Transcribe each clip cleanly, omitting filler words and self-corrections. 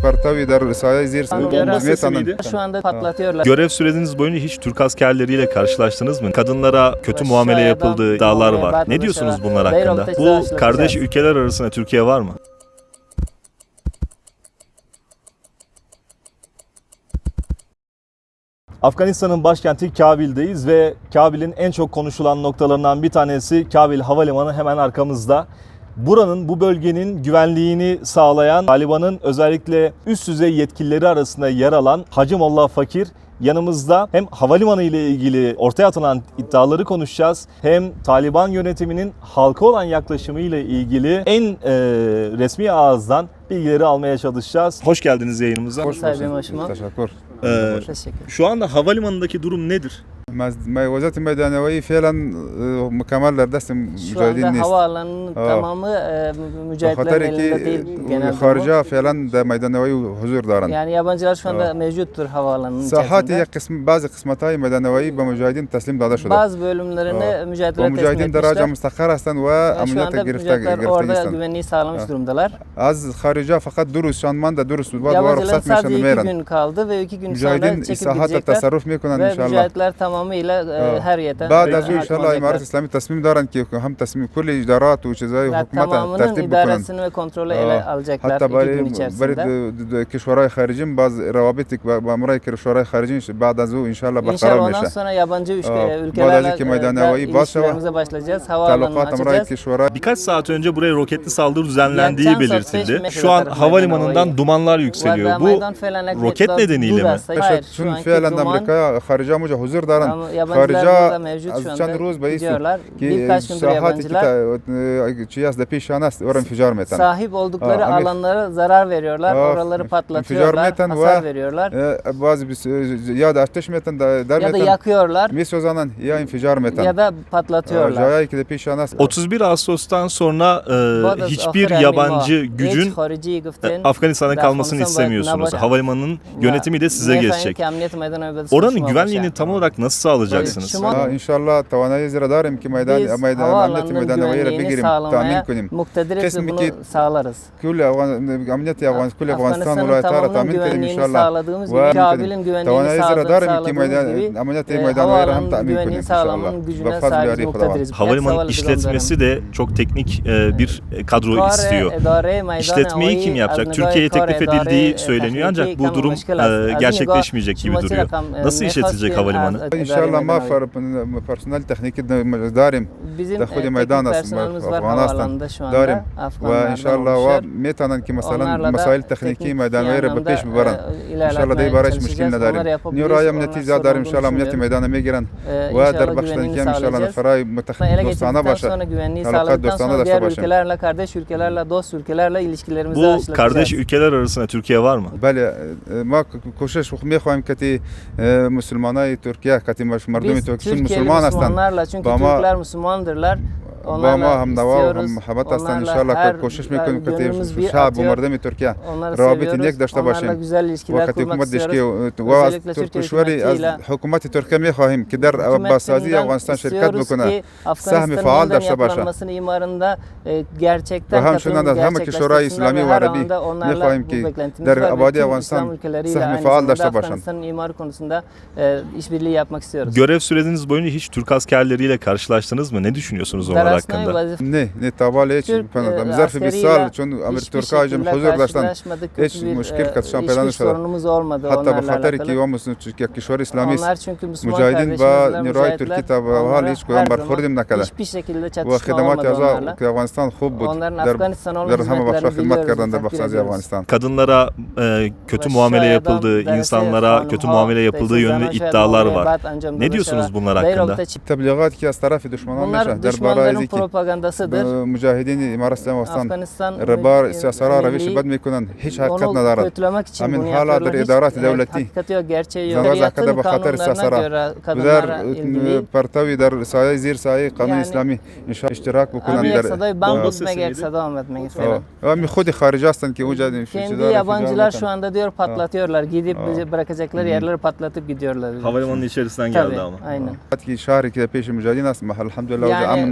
Partavi der sahaya zir Şu anda patlatıyorlar. Görev süreciniz boyunca hiç Türk askerleriyle karşılaştınız mı? Kadınlara kötü muamele yapıldığı iddialar var. Ne diyorsunuz bunlar hakkında? Bu kardeş ülkeler arasında Türkiye var mı? Afganistan'ın başkenti Kabil'deyiz ve Kabil'in en çok konuşulan noktalarından bir tanesi Kabil Havalimanı hemen arkamızda. Buranın, bu bölgenin güvenliğini sağlayan Taliban'ın özellikle üst düzey yetkilileri arasında yer alan Hacı Molla Fakir yanımızda. Hem havalimanı ile ilgili ortaya atılan iddiaları konuşacağız, hem Taliban yönetiminin halka olan yaklaşımı ile ilgili en resmi ağızdan bilgileri almaya çalışacağız. Hoş geldiniz yayınımıza. Hoş bulduk. Teşekkür. Şu anda havalimanındaki durum nedir? Vaziyet meydanavi fiilen mükemmel dersim Şu anda mücahidin havaalanının tamamı mücahitlerin elinde değil genelde. Harca fiilen de meydanavi huzur daran. Yani yabancılar şu anda mevcuttur havaalanının Sahati içerisinde. bazı kısmetay meydanavi ve mücahidin teslim dada şuda. Bazı bölümlerini mücahitlere teslim mücahidin de raca etmişler. müstakar aslan ve Şu ameliyata anda mücahitler orada girifte güvenliği sağlamış durumdalar. Az harica fakat durus şanman da durus var Yabancıların ruhsat sadece 2 meşan gün kaldı ve 2 gün sonra mücahidin çekip isahatta gidecekler. tasarruf mekunan Ve inşallah. mücahitler tamamıyla her yerden بعد از hakim inşallah olacaklar. imaret İslami tasmim daran ki hem tasmim kulli idarat ve cezayı Ve hükümete tamamının tertip bikunan. idaresini ve kontrolü ele alacaklar Hatta 2 gün içerisinde. bari kişvaray haricin bazı ravabitik ve amray kişvaray haricin بعد از او inşallah İnşallah barqarar ondan meşe. sonra yabancı Bazı ülkelerle ki meydanavi ilişkilerimize başlayacağız. Havaalanını Talukat amray açacağız. kişvaray Birkaç saat önce buraya roketli saldırı düzenlendiği Yani belirtildi. Çansa Şu an 5 metre havalimanından kadar dumanlar yükseliyor. Bu roket nedeniyle mi? Hayır, şu چون anki فعلا duman امریکا خارجا موجه حضور دارن yabancılar خارجا burada mevcut şu از چند anda روز به gidiyorlar. ki Birkaç gündür sahati yabancılar ki چی است پیشان است اور انفجار میتن sahip oldukları alanlara zarar veriyorlar. Oraları patlatıyorlar, انفجار hasar veriyorlar. بعضی یا آتش میتن در Ya da میتن yakıyorlar میسوزانن یا انفجار میتن ya da patlatıyorlar. جایی که پیشان است 31 Ağustos'tan sonra hiçbir yabancı gücün Afganistan'da kalmasını istemiyorsunuz. Havalimanının yönetimi de size geçecek. Oranın güvenliğini tam olarak nasıl sağlayacaksınız? İnşallah توانایی زیرا داریم که میدان Biz امنیت havaalanının میدانوی را güvenliğini بگیریم تامین sağlamaya کنیم muktediriz ve Kesinlikle bunu sağlarız. كل امنیت افغان كل افغانستان Afganistan'ın ولایت‌ها را tamamının تامین کنیم güvenliğini انشالله sağladığımız gibi و Kabil'in güvenliğini توانایی زیرا داریم که sağladığımız gibi امنیت میدانوی را هم havaalanının تامین güvenliğini کنیم انشالله sağlamanın gücüne بفضل sahibiz, یاری خداوند muktediriz. Havalimanı işletmesi de çok teknik bir kadro istiyor. İşletmeyi kim yapacak? Türkiye'ye teklif edildiği söyleniyor ancak bu durum gerçekleşmeyecek gibi duruyor. Nasıl işletilecek havalimanı? انشالله ما پرسنل تکنیکی داریم Bizim در خود میدان است personelimiz var افغانستان havaalanında şu anda. داریم و Afganlardan انشالله و oluşuyor. میتونن که مثلا Onlarla da مسائل تکنیکی میدانوی را به پیش ببرن انشالله دی برایش مشکل نداریم نیروهای امنیتی زیاد داریم انشالله امنیت میدان میگیرن و در بخشندگی هم انشالله نفرای دوستانه باشه sonra güvenliği Talakat sağladıktan dostane sonra de diğer savaşın. ülkelerle, kardeş ülkelerle, dost ülkelerle ilişkilerimizi Bu aşılatacağız. kardeş ülkeler arasında Türkiye var mı? بله ما کوشش میخوایم که مسلمانای ترکیه که مردم Biz ترکیه Türkiye'li مسلمان هستند Müslümanlarla, çünkü با ما Türkler Müslümandırlar. با ما Onlarla هم نوا و istiyoruz. هم محبت هستند Onlarla انشالله her که کوشش میکنیم که gönlümüz bir شعب و atıyor. مردم ترکیه Onları روابط seviyoruz. نیک داشته Onlarla باشیم güzel ilişkiler وقتی kurmak حکومت دشکی istiyoruz. و از Özellikle Türkiye ترکشوری از hükümetiyle حکومت ترکیه میخواهیم که در بازسازی افغانستان شرکت istiyoruz بکنه ki سهم Afganistan'ın فعال yeniden داشته باشه yapılanmasının imarında gerçekten و همچنان از همه کشورهای اسلامی و عربی میخواهیم که در آبادی افغانستان سهم فعال داشته باشند. Afganistan'ın imarı konusunda işbirliği yapmak istiyoruz. Görev süreciniz boyunca hiç Türk askerleriyle karşılaştınız mı? Ne düşünüyorsunuz onlar hakkında? نه نه تابال هیچ ظرف 20 سال چون امیر hiçbir ترکا جم şekilde حضور داشتن karşılaşmadık. hiç Kötü bir مشکل کسان پیدا hiçbir نشده sorunumuz olmadı حتی به onlarla خاطر که alakalı. و کشور اسلامی است Onlar çünkü Müslüman مجاهدین با kardeşimizler, نیروهای mücahitler, ترکی تا به حال onlara هیچ her کدام zaman برخوردیم نکرده hiçbir şekilde و çatışma خدمات olmadı onlarla. اعضا که افغانستان خوب بود Onların در Afganistan olan در همه بخش‌ها hizmetlerini خدمت biliyoruz, کردن در takdir بخش‌های ediyoruz. افغانستان Kadınlara kötü muamele yapıldığı, insanlara kötü muamele yapıldığı yönünde iddialar var. Ne diyorsunuz bunlar hakkında? تبلیغات که از طرف دشمنان Bunlar میشه در برای düşmanların اینکه propagandasıdır. مجاهدین امارات اسلامی افغانستان Afganistan ربار سیاسرا روش milli بد میکنن هیچ حقیقت onu ندارد kötülemek için همین bunu حالا yapıyorlar. در Hiç ادارات دولتی hakikati yok, gerçeği yok. زنواز Şeriatın عقده به خاطر kanunlarına سیاسرا göre kadınlara در ilgili پرتوی در سایه زیر سایه قانون Yani اسلامی اشتراک بکنن bir در sadayı bambutmak eksadam etmek istedim. و خود خارج هستن که اونجا Kendi yabancılar şu anda diyor patlatıyorlar. Gidip bırakacakları yerleri patlatıp gidiyorlar. Havalimanının içerisinden Tabii, geldi ama. aynen. که شهری که پیش مجاهدین است الحمدلله Yani امن mücahitlerin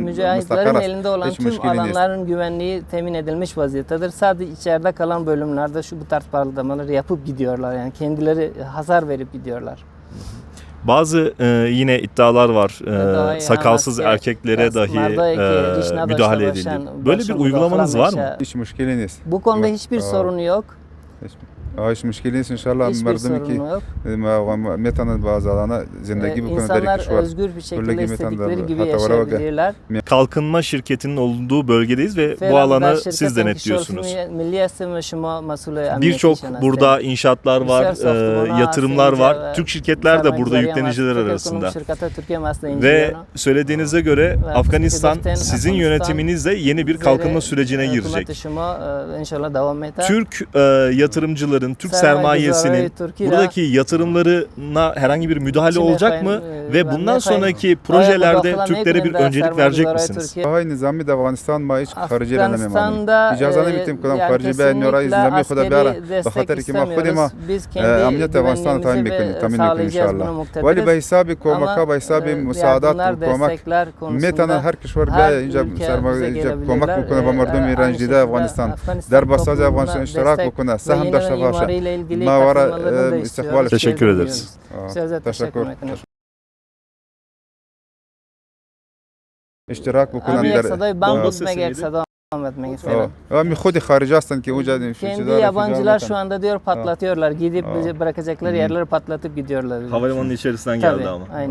Afganistların elinde olan hiç tüm müşkili değil. alanların güvenliği temin edilmiş vaziyettedir. Sadece içeride kalan bölümlerde bu tarz patlamaları yapıp gidiyorlar. Yani kendileri hasar verip gidiyorlar. Bazı yine iddialar var. Sakalsız erkeklere dahi müdahale edildi. Böyle bir uygulamanız var mı? Hiç müşkili değil. Bu konuda hiçbir sorunu yok. hiç müşkili değil. İnşallah Hiçbir sorunu yok. metanın bazı alana zindagi bu konuda İnsanlar özgür bir şekilde istedikleri gibi yaşayabilirler. Kalkınma şirketinin olduğu bölgedeyiz ve bu alanı siz denetliyorsunuz. Birçok burada inşaatlar var, yatırımlar var. Türk şirketler de burada yükleniciler arasında. Ve söylediğinize göre Afganistan sizin yönetiminizle yeni bir kalkınma sürecine girecek. Türk yatırımcıların, Türk sermayesinin buradaki yatırımlarına herhangi bir müdahale olacak mı? Ve bundan sonraki projelerde Türklere bir öncelik verecek misiniz? Hay nizami de Afganistan ma hiç harici elememani. İcazane bitim kadam harici be nora iznami khuda biara. Bakhater ki ma khudima amniyet Afganistan tamin mekin inşallah. Vali be hisabi komaka be hisabi müsaadat komak metana her kişiler be ince sermaye komak bukuna ba mardum İran jida Afganistan. Der basaz Afganistan iştirak bukuna saham der şafaşa. Ma vara istikbal. Teşekkür ederiz. Teşekkür. اشتراك بکنن در خود خارجی هستند که اونجا kendi yabancılar şu anda diyor patlatıyorlar. Gidip bırakacakları yerleri patlatıp gidiyorlar. Havalimanının içerisinden geldi Tabii, ama. aynen.